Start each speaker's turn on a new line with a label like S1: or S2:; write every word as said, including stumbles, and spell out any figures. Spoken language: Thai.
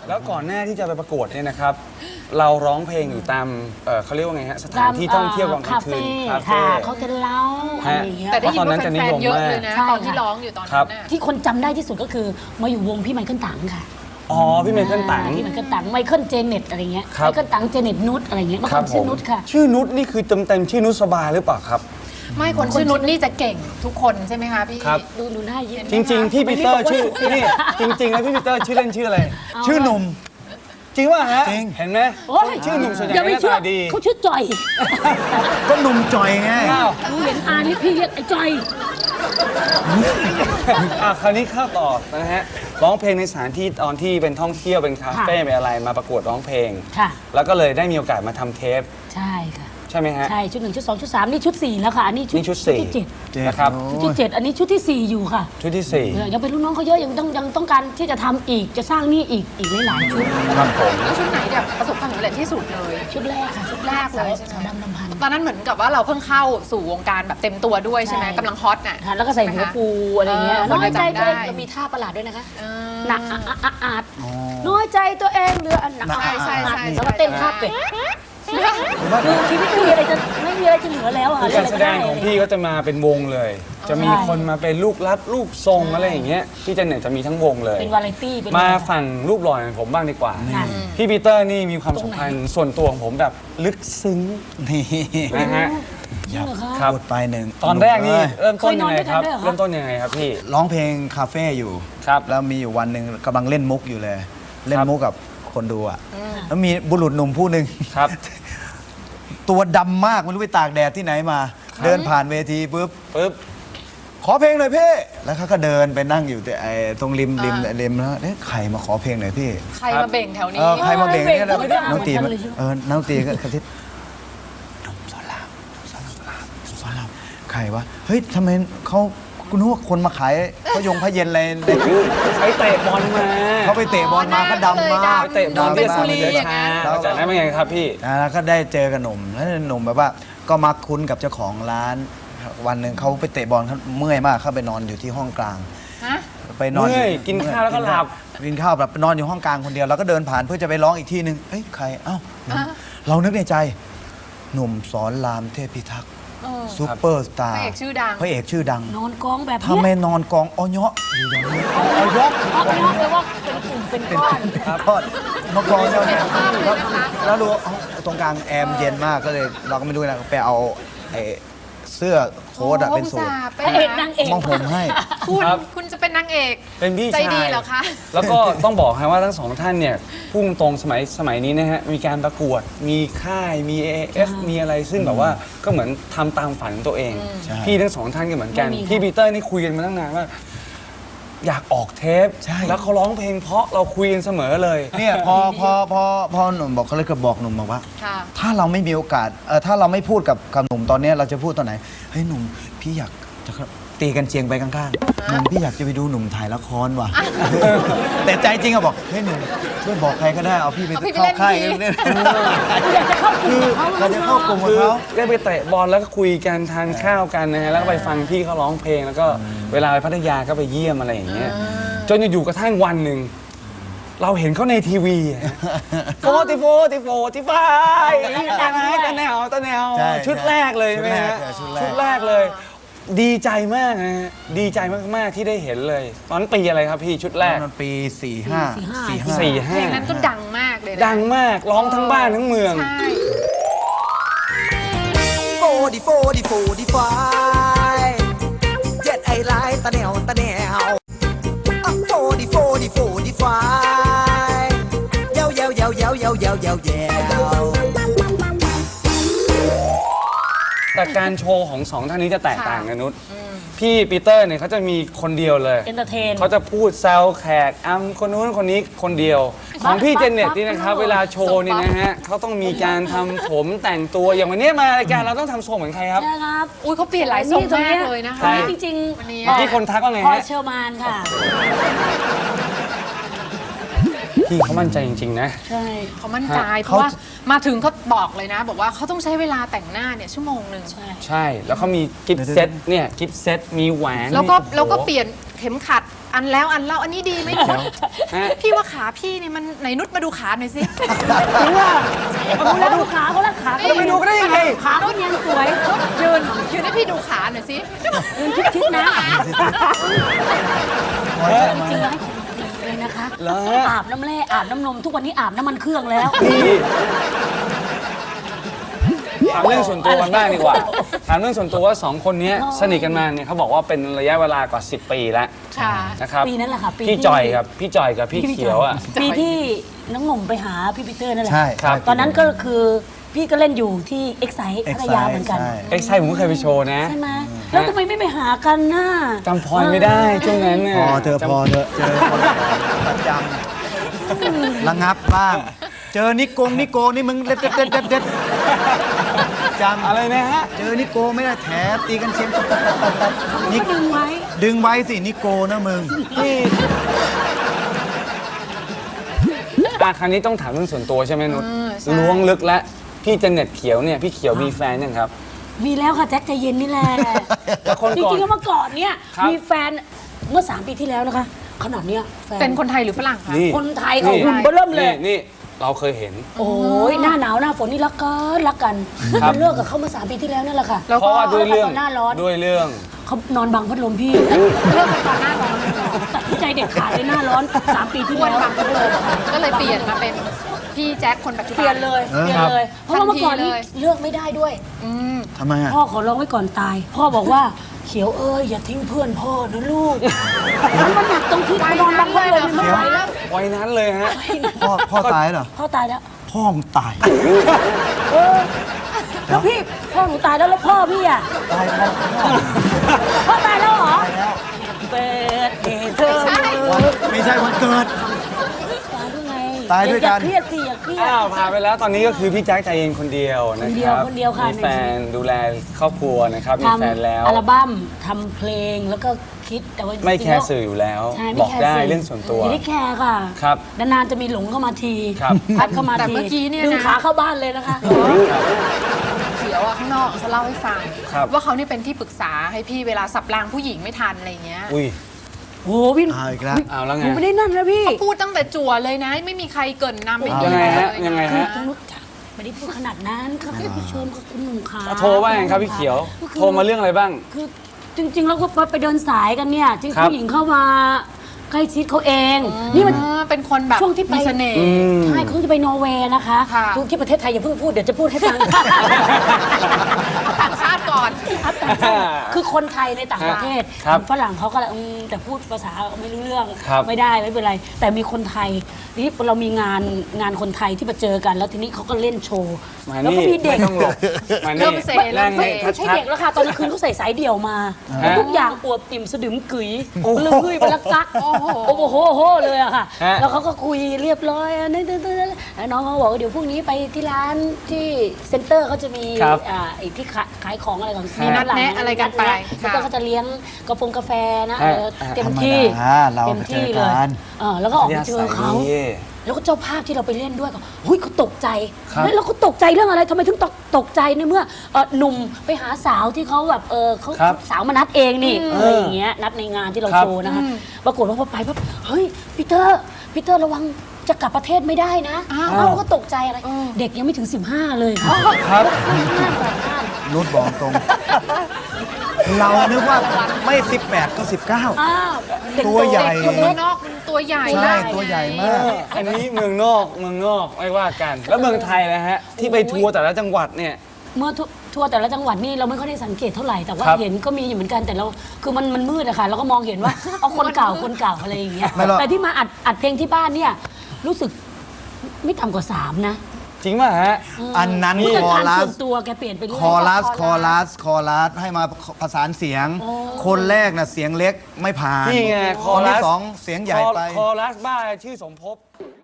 S1: แล้วก่อนหน้าที่จะไปประกวดเนี่ยนะครับ เราร้องเพลงอยู่ตามเอ่อเขาเรียกว่าไงฮะสถานที่ท่องเที่ยวกลางคืนคาเฟ่
S2: เขาจะเล่าอะไรอย่างเงี้ย
S3: แต่ได้ยินว่าแฟนๆเยอะเลยนะ
S2: ใช่
S3: ตอนที่ร้องอยู่ตอน
S1: ครั
S3: นั้
S1: บ
S3: นน่ะ
S2: ที่คนจำได้ที่สุดก็คือมาอยู่วงพี่ไมเคิลตังค่ะ
S1: อ๋อพี่ไมเคิลตัง
S2: พี่ไมเคิลตังไมเคิลเจเน็ตอะไรเงี้ย
S1: ครับ
S2: ไมเคิลตังเจเน็ตนุชอะไรเงี้ยเมื่อก่อนชื่อนุชค่ะ
S1: ชื่อนุชนี่คือเต็มเต็มๆชื่อนุชสบาหรือเปล่าครับ
S3: ไม่คนชื่อนุชนี่จะเก่งทุกคนใช่ไหมคะพี่
S1: ครับ
S2: ดูดูหน้ายิ้ม
S1: จริง ๆ พี่ปีเตอร์ชื่อนี่จริง ๆ แล้วพี่ปีเตอร์ชื่อเล่นชื่ออะไร
S4: ชื่อหนุ่ม
S1: จริงป่ะฮะ
S4: จริง
S1: เห็นไหม
S2: โอ้ย
S1: ชื่อหนุ่มส่วนใหญ่
S2: อย่าไป
S1: หน้า
S2: เชื่อ
S1: ตาดี
S2: เขาชื่อจอย
S4: ก็หนุ่มจอยไง
S1: อ้าว
S2: ดูเห็นอานี่พี่เรียกไอ้จอย
S1: อ่ะคราวนี้เข้าต่อนะฮะร้องเพลงในสถานที่ตอนที่เป็นท่องเที่ยวเป็นคาเฟ่เป็นอะไรมาประกวดร้องเพลง
S2: ค่ะ
S1: แล้วก็เลยได้มีโอกาสมาทำเทป
S2: ใช่ค่ะ
S1: ใช่ไหมฮะ
S2: ใช่ชุดหนึ่งชุดสองชุดสามนี่ชุดสี่แล้วค่ะอันนี้ชุด
S1: นี่ชุดสี่
S2: ที่เจ็ด
S1: นะครับ
S2: ชุดที่เจ็ดอันนี้ชุดที่สี่อยู่ค่ะ
S1: ชุดที่สี่
S2: เออยังเป็นรุ่นน้องเขาเยอะยังต้องยังต้องการที่จะทำอีกจะสร้างนี่อีกอีกหลายๆชุด
S1: ครับผม
S3: แล้วชุดไหนแบบประสบความสำเร็จที่สุดเลย
S2: ชุดแรกค่ะ
S3: ชุดแรกเลยใช่ไหม
S2: สาวดำดำพัน
S3: ตอนนั้นเหมือนกับว่าเราเพิ่งเข้าสู่วงการแบบเต็มตัวด้วยใช่ไหม
S2: ใช่
S3: กำลังฮอตน่ะ
S2: ค่ะแล้วก็ใส่หัวฟูอะไรเงี้ย
S3: เออ
S2: น้อยใจ
S3: คนจะจำได้
S2: ตัวเองจะมีท่าประหลาดด้วยนะคะ
S3: เออ
S2: หนักอะอะอะอาดน้อยใจตัวเองเหลืออันหนัก
S3: ใช่ใช่ใช่
S2: แล้วก็เต้นท่าเป็ดคือชีวิตไม่มีอะไรจะไม่มีอะไรจะเหลือแล้วอะ
S1: คือการแสดงของพี่ก็จะมาเป็นวงเลย จะมีคนมาเป็นลูกรับลูกทรงอะไรอย่างเงี้ยพี่เจเน็ตจะมีทั้งวงเลย
S2: เป็นวาไรตี้เป็น
S1: มาฝั่งรูปหล่ออย่างผมบ้างดีกว่า
S2: ค่ะ
S1: พี่ปีเตอร์นี่มีความสัมพันธ์ส่วนตัวของผมแบบลึกซึ้ง
S4: นี่
S1: นะฮะ
S2: จริงเหรอคะ
S1: ครับ
S4: พูดไปหนึ่ง
S1: ตอนแรกนี่
S4: เอ้ย
S1: เริ่มต้นยังไงครับ
S2: เคยนอนด้วยกันด้วยเหรอคะ
S1: เริ่มต้นยังไงครับพี่
S4: ร้องเพลงคาเฟ่อยู่
S1: ครับ
S4: แล้วมีอยู่วันหนึ่งกำลังเล่นมุกอยู่เลย เล่น
S1: ครับ
S4: มุกกับคนดูอ่ะแล้วมีบุรุษหนุ่มผู้หนึ่ง
S1: ครับ
S4: ตัวดำมากไม่รู้ไปตากแดดที่ไหนมา เดินผ่านเวทีปุ๊บ
S1: ปึ๊บ
S4: ขอเพลงหน่อยพี่ แล้วเขาก็เดินไปนั่งอยู่แต่ไอ้ตรงริมริมริมแล้วเอ๊ะใครมาขอเพลงหน่อยพี่
S3: ใครมาเบ่งแถว
S4: เอ
S3: นี้
S4: อใครมาเบ่งเนี่ยแล้ว
S2: ไม่ได้อ่าน
S4: น้องตี
S2: เหมือนกันเลยใช่ไหม
S4: เออน้องตีก็กระทิบหนุ่มสอนรามสอนรามสอนรามใครวะเฮ้ยทำไมเขาคุณนึกว่าคนมาขายพยงพระเย็นอะไร
S1: ไปเตะบอลมา
S4: เขาไปเตะบอลมาก็ดำมาก
S1: ไปเตะบอล
S3: โดนเป็น
S1: ที่
S3: สุ
S1: สุ
S3: รี
S1: รี
S3: อย่าง
S1: ชา
S3: นั้น
S1: แล้วจากนั้นเป็นไงครับพี่
S4: อ่าแล้วก็ได้เจอกับหนุ่มแล้วหนุ่มแบบว่าก็มาคุ้นกับเจ้าของร้าน วันหนึ่งเขาไปเตะบอลเขาเมื่อยมากเขาไปนอนอยู่ที่ห้องกลาง
S3: ฮะ
S4: ไปนอน
S1: เมื่อยกินข้าวแล้วก็หลับ
S4: กินข้าวแบบไปนอนอยู่ห้องกลางคนเดียวแล้วก็เดินผ่านเพื่อจะไปร้องอีกที่หนึ่งเอ้ยใครเอ้าหนุ่ม
S3: อ่ะ
S4: เรานึกในใจ หนุ่มสอนรามเทพิทักษ์
S3: เออ
S4: ซูเปอร์สตา
S3: พ
S4: ร์
S3: ระเอกชื่อดัง
S4: พระเอกชื่อดัง
S2: นอนกองแบบ
S4: ถ้า
S2: เนี้ย
S4: ไม่นอนกองอ้อยะอยู่อย่างนี้อ้อยะ
S2: เพราะนอกเลยว่าเป็นกลุ่มเป็นก้อน
S4: ก็นกกองเนี่ยเนี่ย
S3: ภาพเลยนะคะ
S4: แล้วดูเอ้าตรงกลางแอร์มเย็นมากก็เลย เราก็ไม่รู้นะไปเอาไอ้เสื้อโค้ทอะเป็นสูท
S3: โอ้
S2: พระเอกนางเอก
S4: มองผมให้
S3: คุณ
S1: ครับ
S3: คุณจะเป็นนางเอก
S1: เป็นพี่
S3: ใจ
S1: ชาย
S3: ดีเหรอคะ
S1: แล้วก็ต้องบอกให้ว่าทั้งสองท่านเนี่ยพุ่งตรงสมัยสมัยนี้นะฮะมีการประกวดมีค่ายมี เอ เอฟ มีอะไรซึ่งแบบว่าก็เหมือนทำตามฝันของตัวเอง
S4: ใช่
S1: พี่ทั้งสองท่านก็เหมือนกัน
S2: ไม่มีค่ะ
S1: พี่ปีเตอร์นี่คุยกันมาตั้งนานว่า อยากออกเทป
S4: ใช่
S1: แล้วเขาร้องเพลงเพราะเราคุยกันเสมอเลย
S4: เนี่ยพอพอพอพอหนุ่มบอกเขาเลยก็บอกหนุ่มบอกว่า
S3: ค่ะ
S4: ถ้าเราไม่มีโอกาสเออถ้าเราไม่พูดกับกับหนุ่มตอนเนี้ยเราจะพูดตอนไหนเฮ้ยหนุ่มพี่อยากจะตีกันเชียงไปข้างๆหนุ่มพี่อยากจะไปดูหนุ่มถ่ายละครว่ะ แต่ใจจริงอะบอกเฮ้ยหนุ่มช่วยบอกใครก็ได้เอาพี่ไป
S3: เอาพี่ไป
S4: เข้า
S3: เล่น
S4: ค่าย
S3: ที
S4: เนี่ย
S2: อยากจะเข้ากลุ่มกับเขา
S4: เราจะเข้ากลุ่มกับ
S1: คือ
S4: เขา
S1: ได้ไปเตะบอลแล้วก็คุยกันทานข้าวกันนะฮะแล้วก็ไปฟังพี่เขาร้องเพลง แล้วก็เวลาไปพัทยาก็ไปเยี่ยมอะไรอย่างเงี้ยจนอยู่ๆกระทั่งวันหนึ่งเราเห็นเขาในทีวีโฟติโฟติโฟติฟายตาไหนตาแนวตาแนว
S4: ใช่
S1: ชุดแรกเลย
S4: ชุด
S1: ไหม
S4: แรก
S1: ฮะ
S4: เออชุดแรก
S1: ชุดแรกเลย ดีใจมากนะฮะดีใจมากๆที่ได้เห็นเลย ตอนนั้นปีอะไรครับพี่ชุดแรก
S4: มันปีสี่ห้า
S2: สี่ห้า
S1: สี่
S3: เพ
S1: ห้า
S3: ลงนั้นก็ดังมากเลยนะ
S1: ดังมากร้องทั้งบ้านทั้งเมือง
S3: ใช่
S5: โฟดีโฟดีโฟดีไฟเจ็ดไอไลน์ตะแนวตะแนวอ่ะโฟดีโฟดีโฟดีไฟเยาเยาเยาเยาเยาเยาเยาเยา
S1: แต่การโชว์ของสองท่านนี้จะแตกต่างกันนุชพี่ปีเตอร์เนี่ยเขาจะมีคนเดียวเลย
S2: เอนเตอร์เทน
S1: เขาจะพูดแซวแขกอ้ำคนนู้นคนนี้คนเดียว ของพี่เจเน็ตนี่นะครับ เวลาโชว์นี่นะฮะเขาต้องมีการทำผมแต่งตัวอย่างวันนี้มารายการเราต้องทำทรงเหมือนใครครับ
S2: ใช่ครับ
S3: อุ้ยเขาเปลี่ยนหลายทรงมากเลยนะคะ
S2: คนนี้จริง
S3: วันนี้
S1: เมื่อกี้คนทักว่าไง
S2: พอ
S1: ฮะ
S2: เชอร์มานค่ะ
S1: พี่เขามั่นใจจริง ๆ นะ
S2: ใช่
S3: เขามั่นใจเพราะว่ามาถึงเขาบอกเลยนะ บอกว่าเขาต้องใช้เวลาแต่งหน้าเนี่ยชั่วโมงหนึ่ง
S2: ใช่
S1: ใช่แล้วเขามีกิฟต์เซตเนี่ยกิฟต์เซตมีแหวน
S3: แล้วก็
S1: มีโอ้โห
S3: แล้วก็เปลี่ยนเข็มขัดอันแล้วอันเล่าอันนี้ดีไหม
S1: ฮะ
S3: พี่ว่าขาพี่เนี่ยมันไหนนุชมาดูขาหน่อยสิ
S2: หรือว่าดูแล้วดูขาเขาแล้วขาเขา
S1: จะไปดูก็ได้ยังไง
S2: ขาเขาเนียนสวย
S3: ยืนยืนให้พี่ดูขาหน่อยสิ
S2: ยืนชิดๆนะจริงๆแล้วให้ของดีเลยนะคะ
S1: เหรอฮะ
S2: อาบน้ำแร่อาบน้ำนมทุกวันนี้อาบน้ำมันเครื่องแล้ว
S1: ถามเรื่องส่วนตัวกันบ้างดีกว่า ถามเรื่องส่วนตัวว่าสองคนนี้สนิทกันมาเนี่ยเขาบอกว่าเป็นระยะเวลากว่าสิบปีแล้ว
S3: ค่ะ
S1: นะครับ
S2: ปีนั้นแหละค่ะปี
S1: พี่
S2: ที่
S1: จอยครับพี่จอยกับพี่เขียวอ่ะ
S2: ปีที่น้องหนุ่มไปหาพี่ปีเตอร์นั่นแหละ
S4: ใช่
S1: ครับ
S2: ตอนนั้นก็คือพี่ก็เล่นอยู่ที่เอ็กไซด์พัทยาเหมือนกัน
S4: ใช่
S1: เอ็กไซผมก็เคยไปโชว์นะ
S2: ใช่ไหมแล้วทำไมไม่ไปหากันน่ะ
S1: จำพรไม่ได้ช่วงนั้นเนี่ย
S4: พอเธอะ
S1: จำ
S4: พอเธอะเจอคนประจำระงับบ้าง เจอนิโกงนิโกนี่มึงเด็ดเด็ดเด็ดเด็ดเด็ดจำ
S1: อะไรนะฮะ
S4: เจอนิโกไม่ได้แถตีกันเชียงตัดตัดตัดตัดนิ
S2: ก็ดึงไว้
S4: ดึงไว้สินิโกนะมึง
S1: อาครั้งนี้ต้องถามเรื่องส่วนตัวใช่ไหมนุช
S3: เออใช่
S1: ล้วงลึกแล้วพี่เจเน็ตเขียวเนี่ยพี่เขียวมีแฟนยังครับ
S2: มีแล้วค่ะแจ็คใจเย็นนี่แหละ
S1: แล้วคน
S2: จ
S1: ก่อน
S2: ริงๆแล้วเมื่อก่อนเนี่ย
S1: ครับ
S2: มีแฟนเมื่อสามปีที่แล้วนะคะขนาดเนี้ยแฟน
S3: เป็นคนไทยหรือฝรั่งคะ
S1: นี่
S2: คนไทยเขาหุ่นเบ้อเริ่มเลย
S1: นี่นี่เราเคยเห็น
S2: โอ้ยหน้าหนาวหน้าฝนนี่รักกันรักกัน
S1: ครับ
S2: มันเลิกกับเขาเมื่อสามปีที่แล้วนั่นแหละค่ะ
S3: แล้ว
S1: เพ
S3: ก็
S1: ราะว่าด้วยเรื่อง
S2: หน้าร้อน
S1: ด้วยเรื่อง
S2: เขานอนบังพัดลมพี่
S3: เลิกกันตอนหน้าร้อนเลยเหรอ
S2: ตัดสินใจเด็ดขาดเลยหน้าร้อนสามปีที่
S3: อ้วน
S2: แล้ว
S3: บังพัดลมก็เลยเปลี่ยนมาเป็นพี่แจ็คคนปัจจุบัน
S2: เปลี่ยนเลยเปลี่ยนเลย เพราะว่าเมื่อก่อนนี่เลือกไม่ได้ด้วย
S3: อืม
S4: ทำไมอ่ะ
S2: พ่อขอร้องไว้ก่อนตาย พ่อบอกว่าเขียวเอ้ยอย่าทิ้งเพื่อนพ่อนะลูกมันมันหนักตรงที่ไปนอนบังพัดลมไม่ไหวแล้ว
S1: วัยนั้นเลยฮะ
S4: พ่อพ่อตายเหรอ
S2: พ่อตายแล้ว
S4: พ่อมึงตาย
S2: เออแล้วพี่พ่อหนูตายแล้วแล้วพ่อพี่อ่ะ
S4: ตายพ่อพ่อ
S2: พ่อตายแล้วเหรอ
S4: ตายแล้ว
S2: เปิดเดเธอ
S4: วันไม่ใช่วันเกิด
S2: ตายด้วยไง
S4: ตายด้วยกัน
S2: อย่าเครียดสิอย่าเครียด
S1: อ้าวผ่านไปแล้วตอนนี้ก็คือพี่แจ็คใจเย็นคนเดียวนะ
S2: คนเดี
S1: ค
S2: ยว
S1: รับ
S2: คนเดียวค่ะ
S1: มีแฟนดูแลครอบครัวนะครับมี
S2: ทำ
S1: แฟนแล้ว
S2: อัลบั้มทำเพลงแล้วก็คิดแต่ว่า
S1: ไม่
S2: จริงๆ
S1: แคร์
S2: ล้ว
S1: สื่ออยู่แล้ว
S2: ใช่
S1: บ
S2: ไม่
S1: อก
S2: แคร์
S1: ได้
S2: สื่
S1: เรื่องส่วนตัว
S2: ไม่ได้แคร์ค่ะ
S1: ครับ
S2: นานๆจะมีหลงเข้ามาที
S1: ครับ
S2: พัดเข้ามา
S3: แต่
S2: ที
S3: เมื่อกี้เนี่ยนะ
S2: ดึงขาเข้าบ้านเลยนะคะ
S3: เขียวอะข้างนอกเขาเล่าให้ฟัง
S1: ครับ
S3: ว่าเขาเนี่ยเป็นที่ปรึกษาให้พี่เวลาสับรางผู้หญิงไม่ทันอะไรเงี้ย
S1: อุ้ย
S2: โอ้โหพี่
S4: เอาอีกแล้ว
S1: เอาแล้ว
S2: ห
S1: ไง
S2: นูไม่ได้นั่นนะพี่
S3: พูดตั้งแต่จั่วเลยนะ ไม่มีใครเกรินนำไม่มี
S1: ยังไงฮะ
S3: เลย
S1: ยังไงฮะ
S2: ต้องรู้จักไม่ได้พูดขนาดนั้นค่ะแค่ไปชวนกับคุณหนุ่มขา
S1: โทรว่าไงครับพี่เขียว
S2: ก็คือ
S1: โทรมาเรื่องอะไรบ้าง
S2: คือจริงๆแล้วก็ไปเดินสายกันเนี่ยจริง
S1: ครับ
S2: ผู้หญิงเข้ามาใกล้ชิดเขาเอง นี่มัน
S3: อ่าเป็นคนแบบ
S2: ช่วงที่ไป
S3: มีเสน่ห์
S1: อืม
S2: ใช่เขาจะไปนอร์เวย์นะคะ
S3: ค่ะ
S2: ทุกที่ประเทศไทยอย่าเพิ่งพูดเดี๋ยวจะพูดให้ฟัง
S3: ต่างชาติก่อน
S2: ครับแต่คือคนไทยในต่างประเทศ
S1: ครับ
S2: ฝรั่งเขาก็อืมแต่พูดภาษาไม่รู้เรื่อง
S1: ครับ
S2: ไม่ได้ไม่เป็นไร แต่มีคนไทยนี่เรามีงานงานคนไทยที่มาเจอกัน แล้วทีนี้เขาก็เล่นโชว์
S1: มา
S2: แล้ว
S1: นี่
S2: ก็มีเด็ก
S1: ไม่ต้องหลบมานี่
S3: เริ่มเซเริ่มเซ
S1: นั่ง
S2: ไม่ใช่
S1: ชัด
S2: เด็กแล้วค่ะ ตอนกลางคืนเขาใส่สายเดี่ยวมา
S1: ฮะ
S2: ทุกอย่างอวบอิ่มสะดึมกึ๋ยเลยคุยไปลักกัก
S3: โอ้โห
S2: โอ้โหโหโหเลยอะค่ะ
S1: ฮะ
S2: แล้วเขาก็คุยเรียบร้อยอ่ะนี่ๆๆแล้วน้องเขาบอกว่าเดี๋ยวพรุ่งนี้ไปที่ร้านที่เซ็นเตอร์เขาจะมี
S1: ครับ
S2: อ่าไอ้ที่ขายขายของอะไรของ
S3: มีนัดแนะอะไรกันไป
S2: เซ็นเตอร์เขาจะเลี้ยงกาแฟกาแฟนะ
S1: ฮะ
S2: เออเต็มที่
S4: ธรรมดาเรา
S2: เต็มที่
S4: ไปเจ
S2: เล
S4: อย กัน
S2: เออแล้วก็ออกไปเจอเขา
S1: ดี
S2: แล้วก็เจ้าภาพที่เราไปเล่นด้วยก็เฮ้ยเขาตกใจ
S1: ครับ
S2: เฮ้ยแล้วเขาตกใจเรื่องอะไรทำไมถึงตกตกใจในเมื่อเอ่อหนุ่มไปหาสาวที่เขาแบบเออเขา
S1: ครับ
S2: สาวมานัดเองนี่อะไรอย่างเงี้ยนัดในงานที่เรา
S1: ครับ
S2: โชว์นะคะปรากฏว่าพอไปปั๊บเฮ้ยพีเตอร์พีเตอร์ระวังจะกลับประเทศไม่ได้นะ
S3: อ้าว
S2: เอ้าก็ตกใจอะไร เด็กยังไม่ถึงสิบห้าเลย
S1: ครับ
S2: ห้าก่อนห้า
S4: นุชบอกตรง เรานึกว่าไม่สิบแปดก็สิบเก้า
S2: อ้าวเด็ก
S4: ตัวใหญ่
S3: คนเมืองนอกมันตัวใหญ่
S4: ใช่ตัวใหญ่มาก
S1: อันนี้เมืองนอกเมืองนอกไม่ว่ากัน แล้วเมืองไทยนะฮะ ที่ไปทัวร์แต่ละจังหวัดเนี่ย
S2: เมื่อทัวทัวร์แต่ละจังหวัดนี่เราไม่ค่อยได้สังเกตเท่าไหร่แต่ว่า
S1: ครับ
S2: เห็นก็มีอยู่เหมือนกันแต่เราคือมันมันมืดอะค่ะเราก็มองเห็นว่า เอาคนเก่าคนเก่าอะไรอย่างเงี้ย
S4: ไม่หรอก
S2: แต่ที่มาอัดอัดเพลงที่บ้านเนี่ยรู้สึกไม่ต่ำกว่าสามนะ
S1: จริงป่ะฮะ
S4: อันนั้น
S2: ผู้
S4: ค
S2: จัด
S4: อ
S2: การ
S4: รั
S2: ส่
S4: ส
S2: วนตัวแกเปลี่ยนไปเรื่อย
S4: คอรัส คอรัส คอรัส ให้มาประสานเสียง คนแรกน่ะเสียงเล็กไม่ผ่าน
S1: นี่ไงค
S4: ค
S1: อน รั
S4: ที่
S1: ส
S4: สองเสียงใหญ่ไป
S1: คอรัสบ้าชื่อสมภพ